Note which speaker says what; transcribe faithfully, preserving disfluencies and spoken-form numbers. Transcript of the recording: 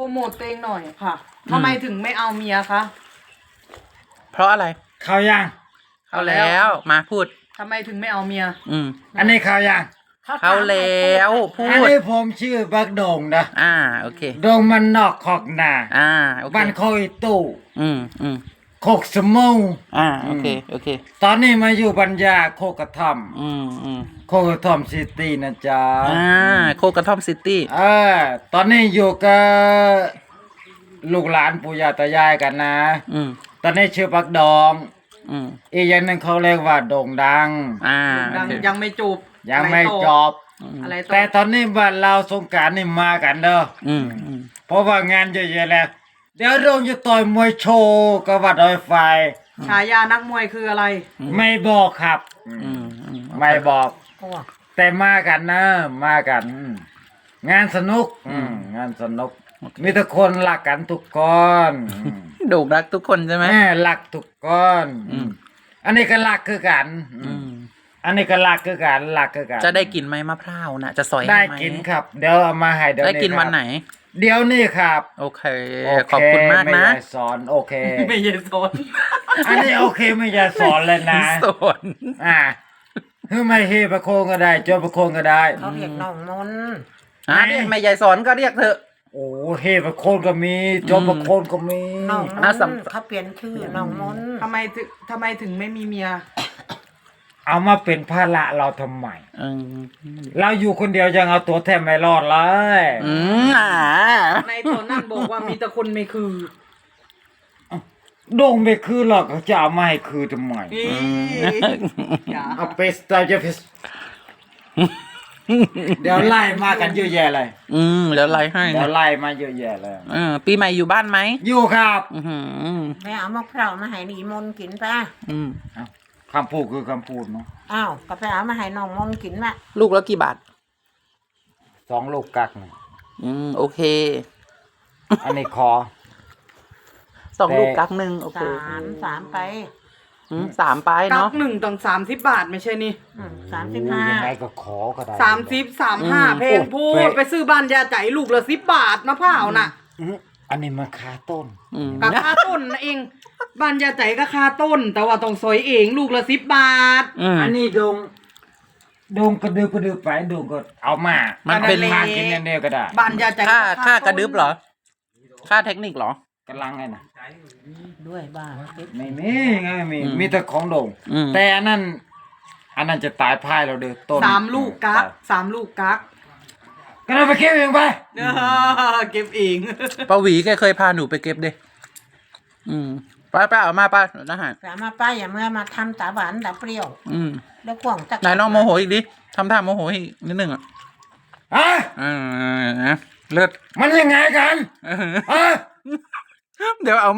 Speaker 1: รโมทตัวเองหน่อยค่ะทำไมถึงไม่เอาเมียคะ
Speaker 2: เพราะอะไร
Speaker 3: ข่าวยัง
Speaker 2: เขาแล้วมาพูด
Speaker 1: ทำไมถึงไม่เอาเมีย
Speaker 2: อืม
Speaker 3: อันนี้ข่าวยัง
Speaker 2: เขาแล้วพูด
Speaker 3: อันนี้ผมชื่อบักโด่งนะ
Speaker 2: อ่าโอเค
Speaker 3: โด่งมันนอกขอกนา
Speaker 2: อ่าโอเค
Speaker 3: บ้านโคยตู้
Speaker 2: อืมอืม
Speaker 3: โคกสมู
Speaker 2: อ่าโอเคโอเค
Speaker 3: ตอนนี้มาอยู่ปัญญาโคกกระท่อม
Speaker 2: อืมอืม
Speaker 3: โคกกระท่อมซิตี้นะจ๊ะ
Speaker 2: อ่าโคกระท่อมซิตี้
Speaker 3: เออตอนนี้อยู่กับลูกหลานปู่ย่าตายายกันนะ
Speaker 2: อืม
Speaker 3: ตอนนี้ชื่อบักดอง
Speaker 2: อืม
Speaker 3: อีกอย่างหนึ่งเขาเรียกว่าโด่งดัง
Speaker 2: อ่า
Speaker 1: ยังไม่จบ
Speaker 3: ยังไม่จบ
Speaker 1: อะไร
Speaker 3: แต่ตอนนี้บ้านเราสงกรานต์นี่มากันเด้อ
Speaker 2: อืมอืม
Speaker 3: เพราะว่างานเยอะแยะแล้วเดี๋ยวโดงจะต่อยมวยโชว์กับวัดดอยไฟ
Speaker 1: ฉายานักมวยคืออะไร
Speaker 3: ไม่บอกครับไม่บอกแต่มากันนะมากัน งานสนุกงานสนุกมีทุกคนรักกันทุกคน
Speaker 2: โด่งรักทุกคนใช่ไหม
Speaker 3: รักทุกคนอันนี้ก็รักคือกันอันนี้ก็รักคือกันรักคือกัน
Speaker 2: จะได้กินไหมมะพร้าวนะจะสอย
Speaker 3: ได้กินครับเดี๋ยวเอามาให้เดี๋ยว
Speaker 2: ได้กินวันไหน
Speaker 3: เดี๋ยวนี้ครับ
Speaker 2: โอเคขอบคุณมากนะ
Speaker 3: ไม่ยายสอนโอเค
Speaker 1: ไม่ยายสอน
Speaker 3: อันนี้โอเคไม่ยายสอนเลยนะ
Speaker 2: สอน
Speaker 3: อ่าคือไม่เฮประโคงก็ได้โจประโคงก็ได้
Speaker 4: เขาเรียกน้องมน
Speaker 2: อ่าไม่ยายสอนก็เรียกเถอะ
Speaker 3: โอ้เฮประโคงก็มีโจประโคงก็มี
Speaker 4: น้องมนเขาเปลี่ยนชื่อน้องมน
Speaker 1: ทำไมถึงทำไมถึงไม่มีเมีย
Speaker 3: เอามาเป็นภาระเราทำไมเราอยู่คนเดียวยังเอาตัวแทบไม่รอดเลย
Speaker 1: ในตอนนั้นบอกว่ามีแต่คนไม่คือ
Speaker 3: โด่งไม่คือหรอกจะเอามาให้คือทำไมเอาไปสไตล์จะไปเดี๋ยวไล่มากันเยอะแยะเลย
Speaker 2: อืมเดี๋ยวไล่ให้
Speaker 3: เดี๋ยวไล่มาเยอะแยะเลย
Speaker 2: เออปีใหม่อยู่บ้านไหม
Speaker 3: อยู่ครับ
Speaker 4: แม่เอามะพร้าวมาให้นีมนกินป่ะ
Speaker 2: อืม
Speaker 3: คำพูดคือคำพูดเนาะ
Speaker 4: อ้าวก็ไปเอามาให้น้องมนกินมา
Speaker 2: ลูกละกี่บาท
Speaker 3: สองลูกกักนะ
Speaker 2: อืมโอเค
Speaker 3: อันนี้คอ
Speaker 2: สองลูกกักหนึ่งโอเค
Speaker 4: สามสามไป
Speaker 2: สามไปเนาะ
Speaker 1: กักหนึ่งต้องสามสิบบาทไม่ใช่นี่
Speaker 4: สามสิบห้า
Speaker 3: ยังไงก็ขอก็ได้
Speaker 1: สามสิบสามห้าเพลงพูดไปซื้อบ้านยาใจลูกละสิบบาทมะพร้าวน่ะ
Speaker 3: อันนี้มันคาต้น
Speaker 1: กับคาต้นนะเองบ้านยาใจก็คาต้นแต่ว่าต้องซอยเองลูกละสิบบาท
Speaker 3: อันนี้ดงดงกระดึบกระดึบไปดงก็เอามา
Speaker 2: มันเป็น
Speaker 3: ทางกินเดียวก็ได้
Speaker 1: บ้านยาใจ
Speaker 2: ค่าค่ากระดึบเหรอค่าเทคนิคเหร
Speaker 3: อกำลังไงนะ
Speaker 4: ด้วยบ้า
Speaker 3: ไม่มีไงมีมีแต่ของดงแต่อันนั้นอันนั้นจะตายพายเราเด้อต้น
Speaker 1: สามลูกกักสามลูกกัก
Speaker 3: ก็เราไปเก็บเองไป
Speaker 1: เก็บเอง
Speaker 2: ป้าหวีแกเคยพาหนูไปเก็บดิอืมป้าป้าเอามาป้านะฮะ
Speaker 4: ป้ามาป้าอย่าเมื่อมาทำตาหวานตาเปรี้ยว
Speaker 2: อืม
Speaker 4: แล้วขวางจัก
Speaker 2: ไหนน้องโมโหอีกดิทำท่าโมโหอีกนิดนึงอ่ะ
Speaker 3: อ่ะ
Speaker 2: อ่าเลือด
Speaker 3: มันยังไงกันอ่ะ
Speaker 2: เดี๋ยวเอา